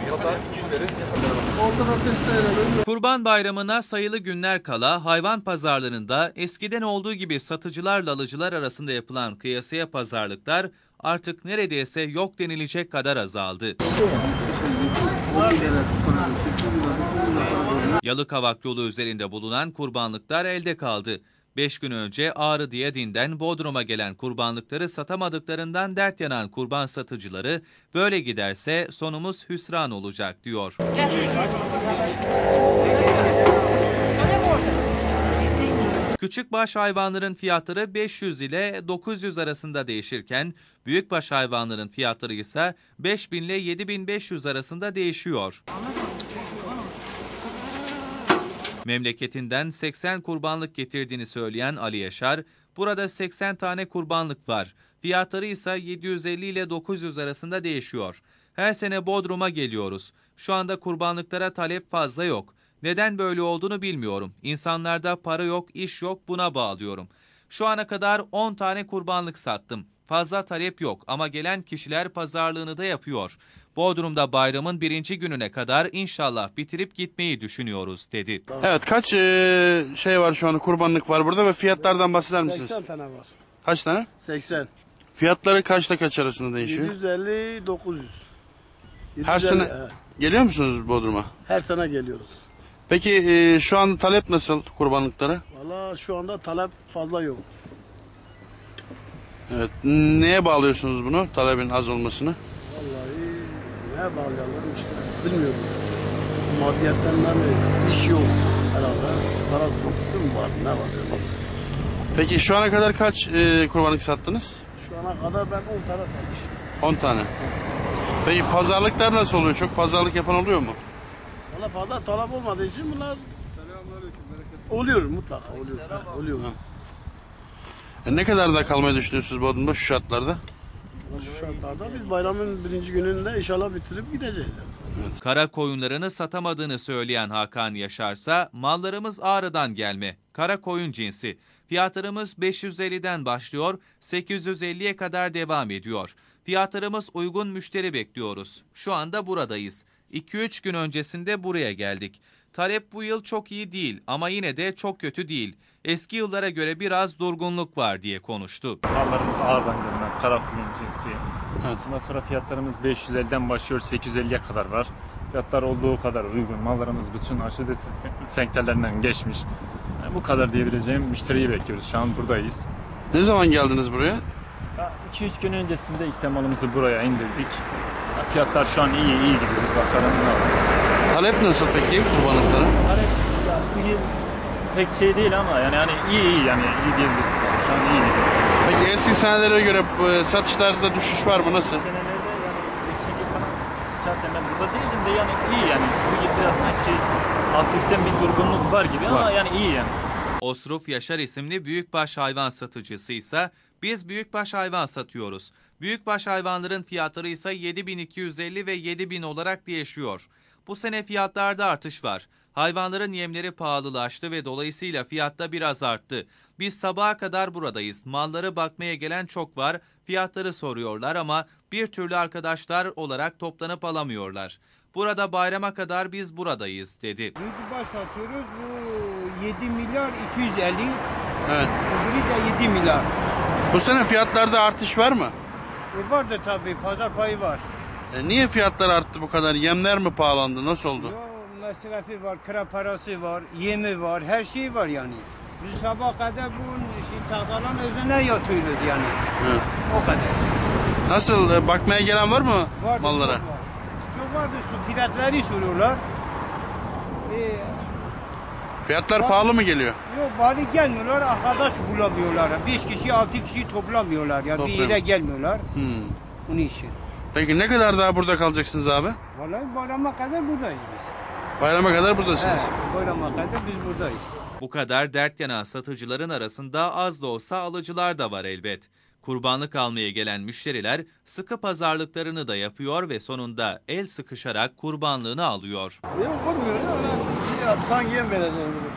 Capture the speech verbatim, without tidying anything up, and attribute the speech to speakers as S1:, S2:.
S1: Kurban Bayramı'na sayılı günler kala hayvan pazarlarında eskiden olduğu gibi satıcılarla alıcılar arasında yapılan kıyasıya pazarlıklar artık neredeyse yok denilecek kadar azaldı. Yalıkavak yolu üzerinde bulunan kurbanlıklar elde kaldı. Beş gün önce Ağrı Diyadin'den Bodrum'a gelen kurbanlıkları satamadıklarından dert yanan kurban satıcıları böyle giderse sonumuz hüsran olacak diyor. Küçükbaş hayvanların fiyatları beş yüz ile dokuz yüz arasında değişirken büyükbaş hayvanların fiyatları ise beş bin ile yedi bin beş yüz arasında değişiyor. Memleketinden seksen kurbanlık getirdiğini söyleyen Ali Yaşar, burada seksen tane kurbanlık var. Fiyatları ise yedi yüz elli ile dokuz yüz arasında değişiyor. Her sene Bodrum'a geliyoruz. Şu anda kurbanlıklara talep fazla yok. Neden böyle olduğunu bilmiyorum. İnsanlarda para yok, iş yok, buna bağlıyorum. Şu ana kadar on tane kurbanlık sattım. Fazla talep yok ama gelen kişiler pazarlığını da yapıyor. Bodrum'da bayramın birinci gününe kadar inşallah bitirip gitmeyi düşünüyoruz dedi.
S2: Evet, kaç e, şey var şu anda, kurbanlık var burada ve fiyatlardan bahseder misiniz?
S3: seksen tane var.
S2: Kaç tane?
S3: seksen.
S2: Fiyatları kaçta kaç arasında değişiyor?
S3: yedi yüz elli dokuz yüz.
S2: Her sene he. Geliyor musunuz Bodrum'a?
S3: Her sene geliyoruz.
S2: Peki e, şu an talep nasıl kurbanlıklara?
S3: Valla şu anda talep fazla yok.
S2: Evet. Neye bağlıyorsunuz bunu, talebin az olmasını?
S3: Vallahi neye bağlayalım işte bilmiyorum. Maddiyetten mi, iş yok herhalde. Para sıkıntısı mı var, ne var yani?
S2: Peki şu ana kadar kaç e, kurbanlık sattınız?
S3: Şu ana kadar ben on tane satmışım.
S2: on tane. Peki pazarlıklar nasıl oluyor? Çok pazarlık yapan oluyor mu?
S3: Valla fazla talep olmadığı için bunlar oluyor mutlaka oluyor. Ha, oluyor.
S2: Ha. E ne kadar da kalmayı düşünüyorsunuz Bodrum'da şu şartlarda?
S3: Şu şartlarda biz bayramın birinci gününde inşallah bitirip gideceğiz.
S1: Evet. Kara koyunlarını satamadığını söyleyen Hakan Yaşarsa mallarımız Ağrı'dan gelme. Kara koyun cinsi. Fiyatlarımız beş yüz elliden başlıyor, sekiz yüz elliye kadar devam ediyor. Fiyatlarımız uygun, müşteri bekliyoruz. Şu anda buradayız. iki üç gün öncesinde buraya geldik. Talep bu yıl çok iyi değil ama yine de çok kötü değil. Eski yıllara göre biraz durgunluk var diye konuştu.
S4: Mallarımız Ağrı'dan gelen kara koyun cinsi.
S2: Evet.
S4: Ondan sonra fiyatlarımız beş yüz elliden başlıyor, sekiz yüz elliye kadar var. Fiyatlar olduğu kadar uygun. Mallarımız bütün aşı dezenfektanlarından geçmiş. Yani bu kadar diyebileceğim, müşteriyi bekliyoruz. Şu an buradayız.
S2: Ne zaman geldiniz buraya?
S4: iki üç gün öncesinde işte malımızı buraya indirdik. Fiyatlar şu an iyi, iyi gidiyoruz. Bakalım nasıl.
S2: Talep nasıl peki kurbanlıklara?
S4: Talep ya, bu yıl pek şey değil ama yani yani iyi iyi yani iyi diyebiliriz. Şu an iyi gidiyoruz.
S2: Peki eski senelere göre satışlarda düşüş var mı? Nasıl?
S4: Senelerde yani geçen yıl falan şahsen ben burada değildim de yani iyi yani. Bu yıl biraz sanki hafiften bir durgunluk var gibi ama var. Yani iyi yani.
S1: Osruf Yaşar isimli büyükbaş hayvan satıcısı ise biz büyükbaş hayvan satıyoruz. Büyükbaş hayvanların fiyatları ise yedi bin iki yüz elli ve yedi bin olarak değişiyor. Bu sene fiyatlarda artış var. Hayvanların yemleri pahalılaştı ve dolayısıyla fiyatta biraz arttı. Biz sabaha kadar buradayız. Malları bakmaya gelen çok var. Fiyatları soruyorlar ama bir türlü arkadaşlar olarak toplanıp alamıyorlar. Burada bayrama kadar biz buradayız dedi.
S5: Büyükbaş satıyoruz. Bu yedi milyar iki yüz elli.
S2: Evet.
S5: Öbürü de yedi milyar.
S2: Bu sene fiyatlarda artış var mı?
S5: E vardı tabii. Pazar payı var.
S2: E niye fiyatlar arttı bu kadar? Yemler mi pahalandı? Nasıl oldu?
S5: Yo, masrafı var, kira parası var, yemi var, her şey var yani. Biz sabah kadar bu şey, tahtaların üzerine yatıyoruz yani.
S2: Evet.
S5: O kadar.
S2: Nasıl? E, bakmaya gelen var mı
S5: Vardı,
S2: mallara?
S5: Çok, var. çok vardı. Şu fiyatları soruyorlar. E,
S2: Fiyatlar
S5: var,
S2: pahalı mı geliyor?
S5: Yok bari gelmiyorlar, arkadaş bulamıyorlar. Beş kişi, altı kişi toplamıyorlar. Yani bir yere gelmiyorlar.
S2: Hmm.
S5: Bunun için.
S2: Peki ne kadar daha burada kalacaksınız abi?
S5: Vallahi bayrama kadar buradayız biz.
S2: Bayrama kadar buradasınız.
S5: He, bayrama kadar biz buradayız.
S1: Bu kadar dert yanan satıcıların arasında az da olsa alıcılar da var elbet. Kurbanlık almaya gelen müşteriler sıkı pazarlıklarını da yapıyor ve sonunda el sıkışarak kurbanlığını alıyor.
S3: Yok olmuyor ya. Şey yap, sanki yem vereceğim.